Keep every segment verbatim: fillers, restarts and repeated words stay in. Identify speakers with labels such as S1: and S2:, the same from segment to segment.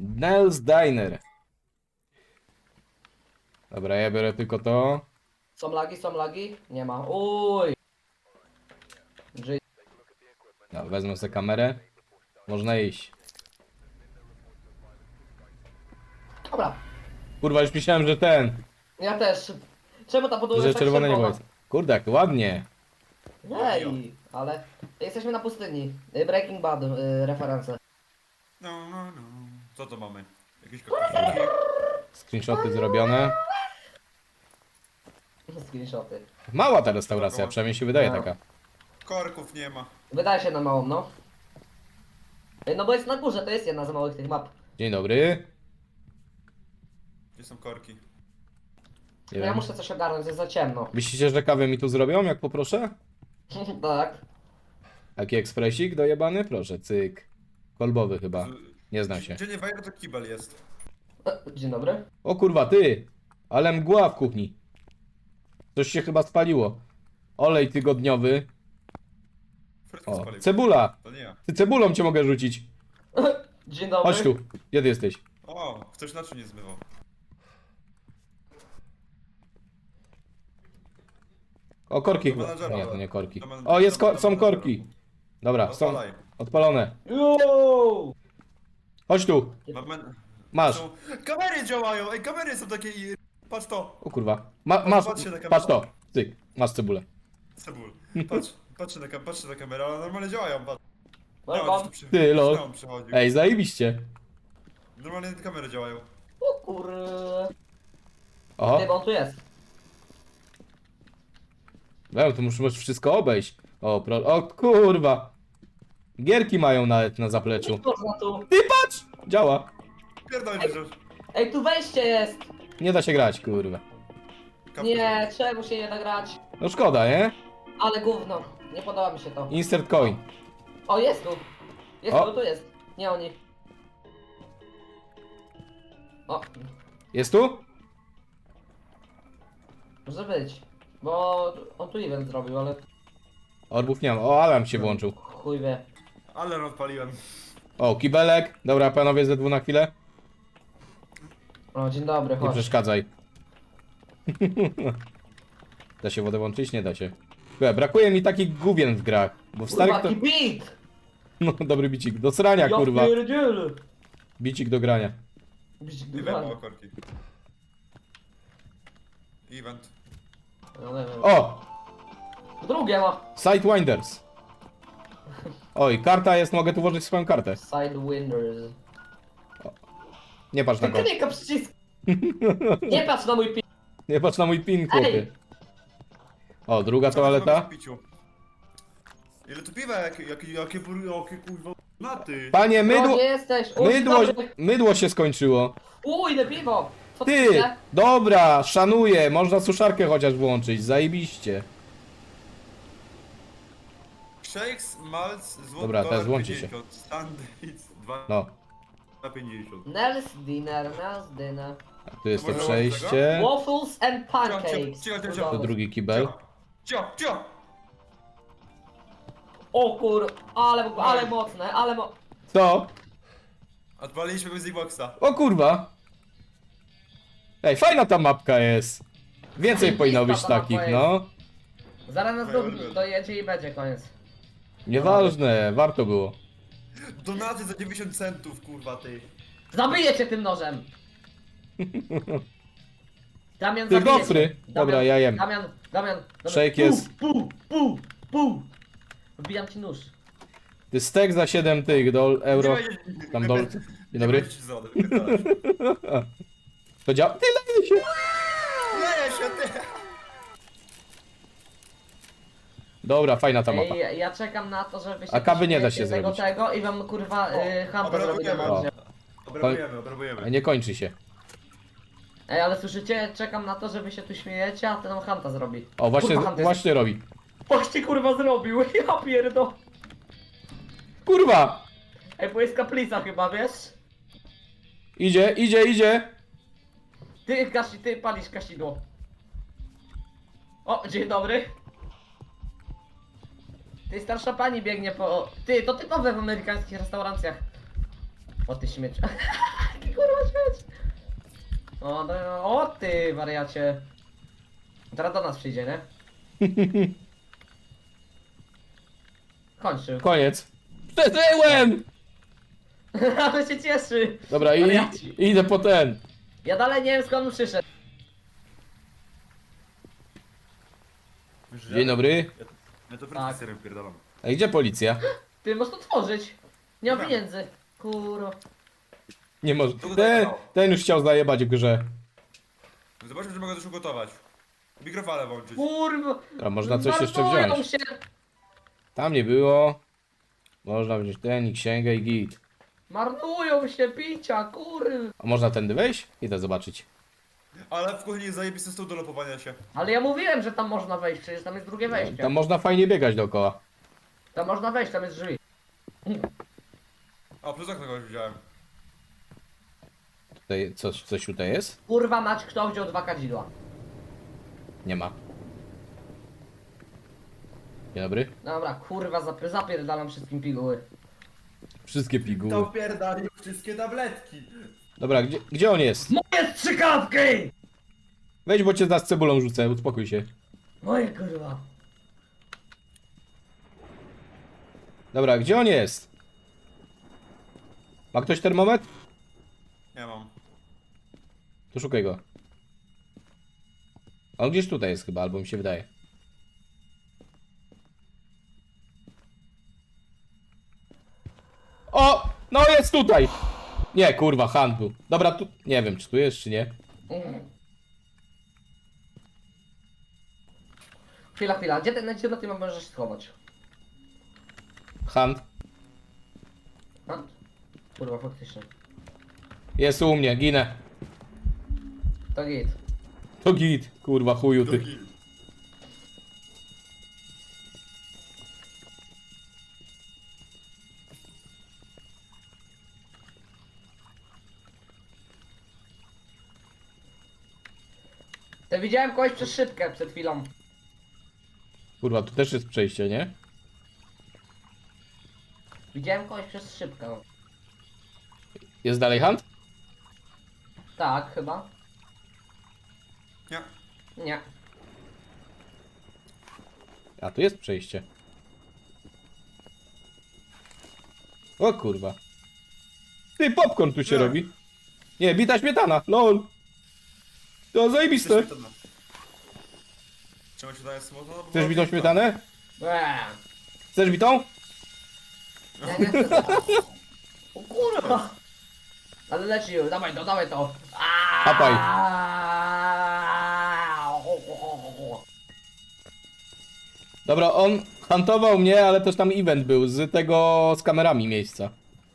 S1: Nels Diner. Dobra, ja biorę tylko to.
S2: Są lagi, są lagi? Nie ma. Uj. G
S1: No, wezmę sobie kamerę. Można iść.
S2: Dobra.
S1: Kurwa, już myślałem, że ten.
S2: Ja też. Czemu ta podłoga
S1: Że
S2: jest tak
S1: czerwone niebo
S2: czerwona?
S1: jest. Kurde, jak ładnie.
S2: Ej, ale jesteśmy na pustyni. Y, Breaking Bad y, referencje.
S3: No, no, no. Co to mamy? Jakieś kaktusiki?
S1: Screenshoty zrobione.
S2: Screenshoty.
S1: Mała ta restauracja, przynajmniej się wydaje
S2: No.
S1: taka.
S3: Korków nie ma.
S2: Wydaje się na małą, no. Ej, no bo jest na górze, to jest jedna z małych tych map.
S1: Dzień dobry.
S3: Gdzie są korki?
S1: Nie
S2: No ja
S1: wiem.
S2: muszę coś ogarnąć, jest za ciemno.
S1: Myślicie, że kawę mi tu zrobią, jak poproszę?
S2: Tak.
S1: Taki ekspresik dojebany? Proszę, cyk. Kolbowy chyba.
S3: Z-
S1: Nie znam się.
S3: Gdzie nie wejdę, to kibel jest.
S2: E, Dzień dobry.
S1: O kurwa, ty! Ale mgła w kuchni. Coś się chyba spaliło. Olej tygodniowy.
S3: Frytkę
S1: O,
S3: spalił.
S1: cebula!
S3: To nie ja.
S1: Ty cebulą cię mogę rzucić.
S2: Dzień dobry.
S1: Chodź tu. Gdzie ty jesteś?
S3: O, ktoś na czym nie zmywał.
S1: O, korki
S3: Do
S1: chyba.
S3: menadżera.
S1: Nie, to nie korki.
S3: Do men-
S1: O, jest
S3: do-
S1: ko
S3: do
S1: są
S3: menadżera.
S1: korki. Dobra, są
S3: Odpalaj.
S1: odpalone.
S2: Yo!
S1: Chodź tu.
S3: Mamy...
S1: Masz.
S3: Są... Kamery działają! Ej, kamery są takie i... Patrz to!
S1: O kurwa. Ma, masz.
S3: Patrzcie na kamerę.
S1: Patrz to. Cyk. Masz cebulę.
S3: Cebul. Patrz, patrzcie na, kam- patrzcie na kamerę, ale normalnie działają, patrz.
S2: Welcome.
S3: przy...
S1: Ty, lol.
S3: Leon przychodził.
S1: Ej, zajebiście.
S3: Normalnie te kamery działają.
S2: O kur...
S1: Oho.
S2: Ty, bo on tu jest.
S1: No, to muszę możesz wszystko obejść. O, pro... o kurwa. Gierki mają nawet na zapleczu.
S2: Można tu.
S1: Ty patrz! Działa.
S3: Pierdolnie, że...
S2: Ej, tu wejście jest!
S1: Nie da się grać, kurwa.
S3: kapkę
S2: Nie, czemu się nie da grać?
S1: No szkoda, nie?
S2: Ale gówno. Nie podoba mi się to.
S1: Insert coin.
S2: O, jest tu. Jest
S1: O.
S2: tu, tu jest. Nie oni. O,
S1: Jest tu?
S2: może być. Bo on tu event zrobił, ale
S1: Orbów nie ma. O, alarm się włączył.
S2: chuj wie.
S3: Ale odpaliłem.
S1: O, kibelek. Dobra, panowie, ze dwu na chwilę.
S2: O, dzień dobry,
S1: Nie
S2: chodź.
S1: przeszkadzaj. Da się wodę włączyć? Nie da się. Chyba, brakuje mi takich gówien w grach. Bo w starych
S2: Kurwa,
S1: to...
S2: jaki beat!
S1: No, dobry bicik. Do srania,
S2: Ja
S1: kurwa.
S2: pierdzielę.
S1: Bicik do grania.
S2: Bicik
S3: Nie
S2: do
S3: wiem,
S2: grania.
S3: o korki. Event.
S2: No, nie wiem.
S1: O!
S2: Drugie ma.
S1: Sidewinders. Oj, karta jest, mogę tu włożyć swoją kartę.
S2: Sidewinders.
S1: Nie patrz na
S2: Ty
S1: go.
S2: klikam przycisk. Nie patrz na mój pi...
S1: Nie patrz na mój pin, chłopie.
S2: Ej!
S1: O, druga
S3: Co my mamy
S1: toaleta.
S3: w piciu? Ile tu piwa, jakie, jakie, jakie, bur- jakie kurwa naty?
S2: No,
S1: Panie, mydło...
S2: nie jesteś. O, dzień
S1: Mydło,
S2: dobry.
S1: mydło się skończyło.
S2: U, ile piwo. Co
S1: Ty!
S2: chce?
S1: Dobra, szanuję. Można suszarkę chociaż włączyć. Zajebiście.
S3: Shakes, malc, złoty
S1: Dobra, teraz
S3: dolar
S1: włączy się.
S3: pięćdziesiąt, Sandwich dwa
S1: No,
S3: na pięćdziesiąt.
S2: Nels dinner, Nels dinner.
S1: tu jest to
S3: Dobra,
S1: przejście.
S2: Waffles and pancakes.
S3: Cicho, cicho, cicho, cicho.
S1: To drugi kibel.
S3: Cio, cio!
S2: O kur... Ale, ale mocne, ale mo...
S1: Co?
S3: Odpaliliśmy Music Boxa.
S1: O kurwa. Ej, fajna ta mapka jest. Więcej powinno być
S2: ta mapa
S1: takich,
S2: jest.
S1: no.
S2: Zaraz nas do, dojedzie i będzie koniec.
S1: Nieważne, warto było.
S3: Donaty za dziewięćdziesiąt centów, kurwa ty.
S2: Zabiję cię tym nożem! Damian,
S1: Ty
S2: zabiję
S1: gofry.
S2: cię.
S1: Dobra, ja jem.
S2: Damian, Damian, Damian.
S1: Shake
S2: Pu,
S1: jest.
S2: Pu, pu, pu. Wbijam ci nóż.
S1: Ty stek za siedem tych dol, euro.
S3: Nie będzie-
S1: Tam
S3: nie
S1: dol.
S3: będzie-
S1: Dzień dobry.
S3: nie będzie ci zady, wypierdalasz.
S1: To działa. Ty leje się.
S3: Leje się ty!
S1: Dobra, fajna ta mapa.
S2: Ej, ja czekam na to, żeby się
S1: A kawy nie da
S2: pośmiejecie
S1: się
S2: tego,
S1: zrobić.
S2: tego i wam kurwa y, hampę zrobić na
S3: Obrabujemy.
S2: mordzie.
S3: Obrabujemy, obrabujemy.
S1: Nie kończy się.
S2: Ej, ale słyszycie? Czekam na to, że wy się tu śmiejecie, a ten nam hanta zrobi.
S1: O, właśnie,
S2: Kurwa, Hunt jest-
S1: właśnie robi.
S2: Właśnie kurwa zrobił, ja pierdo.
S1: Kurwa!
S2: Ej, bo jest kaplica chyba, wiesz?
S1: Idzie, idzie, idzie.
S2: Ty, gasi, ty palisz kasidło. O, dzień dobry. Ty, starsza pani biegnie po... Ty, to typowe w amerykańskich restauracjach. O, ty śmieć. jedź. O, no, no, o ty wariacie. Teraz do nas przyjdzie, nie? Kończył.
S1: Koniec. Przeżyłem!
S2: Ale się cieszy.
S1: Dobra, i,
S2: Wariaci.
S1: idę po ten.
S2: Ja dalej nie wiem skąd on przyszedł.
S3: Wiesz, że
S1: Dzień
S3: ja-
S1: dobry.
S3: Ja, ja to
S2: Tak.
S3: tak. serem pierdalam.
S1: A gdzie policja?
S2: Ty możesz to tworzyć. Nie mam
S3: Dobra.
S2: pieniędzy. Kurwa.
S1: Nie może.
S3: To
S1: Ten,
S3: udało.
S1: ten już chciał zajebać w grze.
S3: Zobaczmy, czy mogę coś ugotować. Mikrofalę włączyć.
S2: Kurwa.
S1: A można coś jeszcze
S2: Marnują
S1: wziąć.
S2: się.
S1: Tam nie było. Można wziąć ten i księgę i git.
S2: Marnują się picia, kurwa.
S1: A można tędy wejść? Idę zobaczyć.
S3: Ale w kuchni jest zajebisty stół do lopowania się.
S2: Ale ja mówiłem, że tam można wejść, przecież tam jest drugie wejście.
S1: Tam można fajnie biegać dookoła.
S2: Tam można wejść, tam jest drzwi.
S3: A, przez okno kogoś widziałem.
S1: Tutaj coś, coś tutaj jest?
S2: Kurwa mać, kto wziął dwa kadzidła?
S1: Nie ma. Dzień dobry.
S2: Dobra, kurwa, zap zapierdalam wszystkim piguły.
S1: Wszystkie piguły.
S3: pierdali wszystkie tabletki.
S1: Dobra, gdzie, gdzie on jest?
S2: Moje strzykawki!
S1: Wejdź, bo cię z cebulą rzucę, uspokój się.
S2: Moje kurwa.
S1: Dobra, gdzie on jest? Ma ktoś termometr?
S3: Nie mam.
S1: To szukaj go. On gdzieś tutaj jest chyba, albo mi się wydaje. O! No jest tutaj! Nie, kurwa, Han był. Dobra, tu... Nie wiem, czy tu jest, czy nie.
S2: Mm. Chwila, chwila, gdzie ten, gdzie na tym możesz się schować?
S1: Han.
S2: A? Kurwa, faktycznie.
S1: Jest u mnie, ginę.
S2: To git.
S1: To git, kurwa, chuju ty.
S3: Drugi.
S2: To widziałem kogoś przez szybkę przed chwilą.
S1: Kurwa, tu też jest przejście, nie?
S2: Widziałem kogoś przez szybkę.
S1: Jest dalej Han?
S2: Tak, chyba.
S3: Nie.
S2: Nie.
S1: A, tu jest przejście. O kurwa. Ty, popcorn tu się
S3: Nie.
S1: robi. Nie, bita śmietana, lol. To zajebiste.
S3: Czemu się daje smutno? No, bo
S1: Chcesz
S3: była
S1: bitą
S3: bitwa.
S1: śmietanę?
S2: Eee.
S1: Chcesz bitą?
S2: Ja nie chcę tego. O kurwa. Ale leci już, dawaj to, dawaj to.
S1: Hapaj. Dobra, on huntował mnie, ale też tam event był z tego, z kamerami miejsca.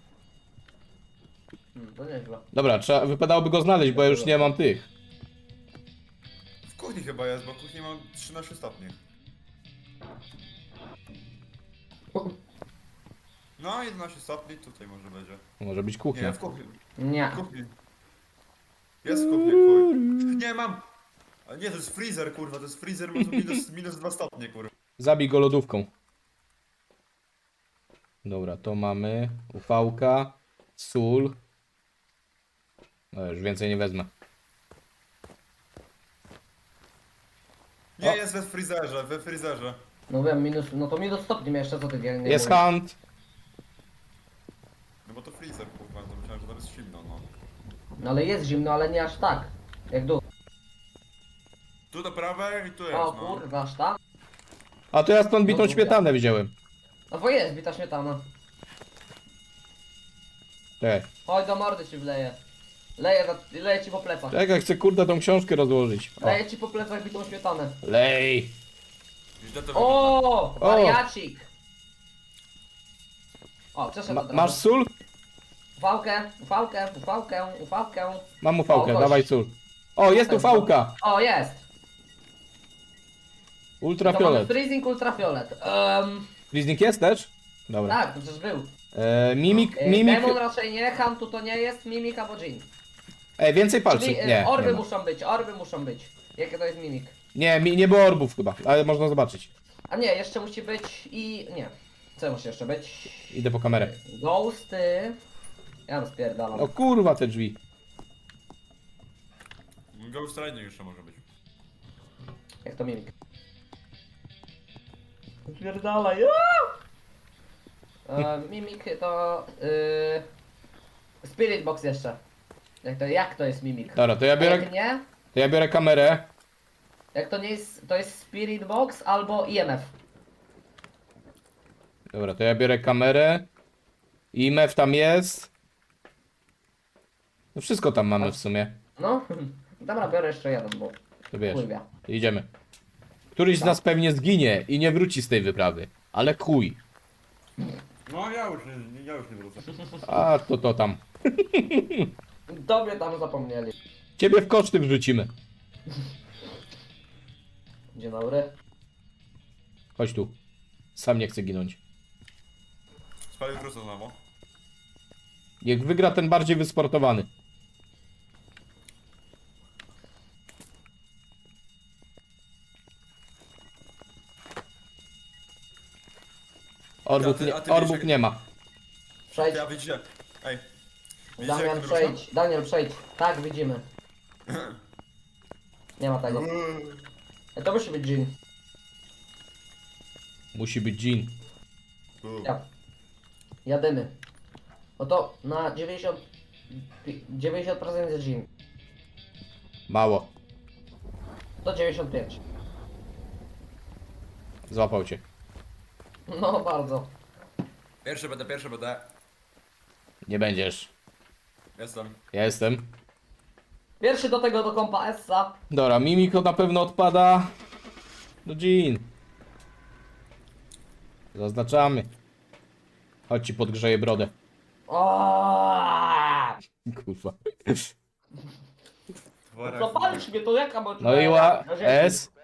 S2: Hmm, to nieźle.
S1: Dobra, trzeba, wypadałoby go znaleźć, bo ja już nie mam tych.
S3: W kuchni chyba jest, bo w kuchni mam trzynaście stopni. No, jedenaście stopni, tutaj może będzie.
S1: Może być
S3: Nie,
S1: kuchnia.
S3: w kuchni.
S2: Nie.
S3: W kuchni. Jest w kuchni, chuj. Nie, mam! A nie, to jest freezer, kurwa, to jest freezer, ma tu minus, minus dwa stopnie, kurwa.
S1: Zabij go lodówką. Dobra, to mamy ufałka, sól. No już więcej nie wezmę.
S3: Nie,
S1: O.
S3: jest we freezerze, we freezerze.
S2: No wiem, minus, no to minus stopni miał jeszcze co ty nie nie
S1: Jest
S2: mówisz.
S1: hunt.
S3: No bo to freezer, kurwa, to myślałem, że tam jest zimno, no.
S2: No ale jest zimno, ale nie aż tak. Jak dół.
S3: Tu do prawej i tu jest,
S2: O
S3: no.
S2: kurwa, aż tam.
S1: A to ja stąd bitą
S2: No,
S1: śmietanę wziąłem.
S2: No bo jest bita śmietana.
S1: Te.
S2: Chodź do mordy ci wleję. Leję, na, leję ci po plecach.
S1: Czekaj, chcę kurde tą książkę rozłożyć. O.
S2: Leję ci po plecach bitą śmietanę.
S1: Lej.
S3: Źle to wygląda.
S2: O, wariacik. O, przeszedł
S1: Ma,
S2: od razu.
S1: masz sól?
S2: Ufałkę, ufałkę, ufałkę, ufałkę.
S1: Mam ufałkę,
S2: O, gość.
S1: dawaj sól. O, jest ufałka!
S2: O, jest. To mamy
S1: Ultrafiolet.
S2: freezing ultrafiolet. Um,
S1: Freezing jest też? Dobra.
S2: tak, to przecież był.
S1: E, mimik,
S2: E,
S1: mimik.
S2: Demon raczej nie, Huntu to nie jest, Mimik albo Jin.
S1: Ej, więcej palców.
S2: Czyli e,
S1: Nie,
S2: orby
S1: nie, ma.
S2: muszą być, orby muszą być. Jakie to jest Mimik?
S1: nie, mi, nie było orbów chyba, ale można zobaczyć.
S2: A nie, jeszcze musi być i... nie. Co musi jeszcze być?
S1: Idę po kamerę.
S2: Ghosty. Ja bym spierdalam.
S1: O kurwa te drzwi.
S3: Ghost Riding jeszcze może być.
S2: Jak to mimik? Pierdalaj. E, mimik to... Yy, Spirit Box jeszcze. Jak to, jak to jest mimik?
S1: Dobra, to ja
S2: A
S1: biorę,
S2: jak nie?
S1: to ja biorę kamerę.
S2: Jak to nie jest... To jest Spirit Box albo I M F.
S1: Dobra, to ja biorę kamerę. I M F tam jest. No wszystko tam mamy w sumie.
S2: No. Dobra, biorę jeszcze jeden, bo...
S1: To wiesz,
S2: Kurwa.
S1: idziemy. Któryś z nas pewnie zginie i nie wróci z tej wyprawy. Ale chuj.
S3: No ja już nie, ja już nie wrócę.
S1: A to to tam.
S2: Tobie tam zapomnieli.
S1: Ciebie w koszty wrzucimy.
S2: Dzień dobry.
S1: Chodź tu. Sam nie chcę ginąć.
S3: Spalił wrócę znowu.
S1: Niech wygra ten bardziej wysportowany. Orbów
S3: A ty-
S1: nie,
S3: a ty
S1: orbów
S3: wiesz,
S1: nie ma.
S2: Przejdź.
S3: Ja widzicie. Ej. Widzicie
S2: Damian,
S3: jak to
S2: przejdź. Daniel, przejdź. Tak, widzimy. Nie ma tego. E, To musi być Jean.
S1: Musi być Jean.
S2: Ja. Jadymy. No to na dziewięćdziesiąt... pi- dziewięćdziesiąt procent jest Jean.
S1: Mało.
S2: To dziewięćdziesiąt pięć.
S1: Złapał cię.
S2: No bardzo.
S3: Pierwszy będę, pierwszy będę.
S1: Nie będziesz.
S3: Jestem.
S1: Ja jestem.
S2: Pierwszy do tego do kompa Essa.
S1: Dobra, Mimiko na pewno odpada. No Jean. Zaznaczamy. Chodź ci podgrzeję brodę.
S2: Aaaa!
S1: Kurwa.
S3: Worek.
S2: Zapalisz mnie, to jaka bądź
S1: No i ła... S.